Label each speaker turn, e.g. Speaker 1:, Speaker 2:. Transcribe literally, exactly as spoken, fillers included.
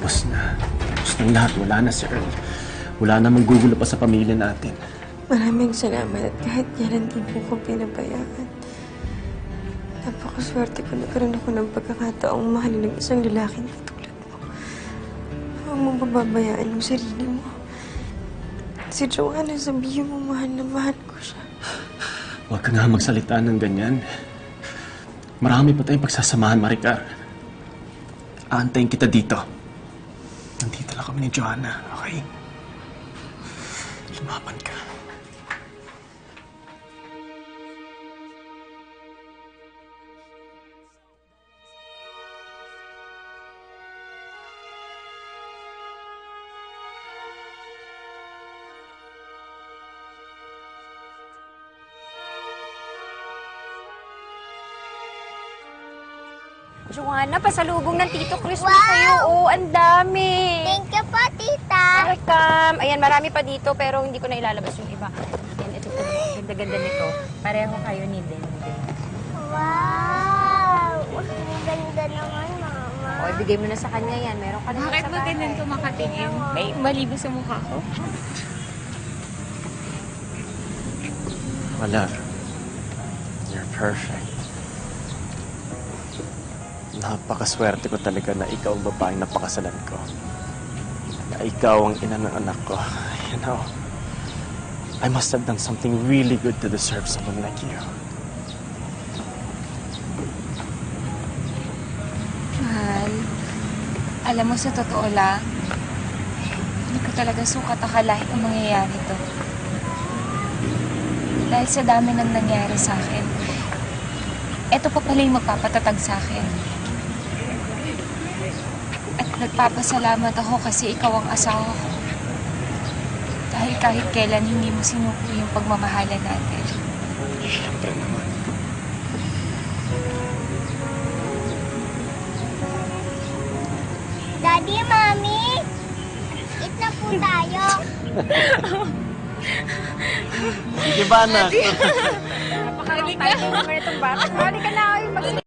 Speaker 1: Tapos na. Tapos ng lahat. Wala na si Earl. Wala na manggugulo pa sa pamilya natin.
Speaker 2: Maraming salamat at kahit kailan di mo ko pinabayaan. Napakaswerte ko nagkaroon ako ng pagkakataong mahalin ng isang lalaking katulad mo. Huwag mong pababayaan ang sarili mo. Si Joanna, sabihin mo mahal na mahal ko siya.
Speaker 1: Huwag ka nga magsalita ng ganyan. Marami pa tayong pagsasamahan, Maricar. Aantayin kita dito. Nandito lang kami ni Joanna, okay? Lumaban ka.
Speaker 3: Joanna, pasalubong ng Tito Chris
Speaker 4: Wow!
Speaker 3: mo sa'yo. Oh, ang dami.
Speaker 4: Thank you po, tita.
Speaker 3: Welcome. Ayan, marami pa dito pero hindi ko na ilalabas yung iba. Ayan, ito po. Ganda-ganda nito. Pareho kayo ni Den.
Speaker 4: Wow! Ang ganda naman, mama.
Speaker 3: O, ibigay mo na sa kanya yan. Meron ka na
Speaker 5: Bakit
Speaker 3: sa
Speaker 5: ba
Speaker 3: bahay.
Speaker 5: ganun ka makatingin? May mali ba sa mukha ko?
Speaker 1: Wala. You're perfect. Napakaswerte ko talaga na ikaw ang babaeng napakasalan ko. Na ikaw ang ina ng anak ko. You know, I must have done something really good to deserve someone like you.
Speaker 5: Mahal, alam mo sa totoo lang, hindi ko talaga sukat akalain ang mangyayari to. Dahil sa dami ng nangyari sa akin, eto pa pala yung magpapatatag sa akin. At nagpapasalamat ako kasi ikaw ang asawa ko. Dahil kahit kailan hindi mo sinuko yung pagmamahalan natin.
Speaker 1: Siyempre naman.
Speaker 4: Daddy, Mami, eat na po tayo.
Speaker 1: Sige ba, anak?
Speaker 3: Napakalaking tayo naman itong bata. Halika na kayo mag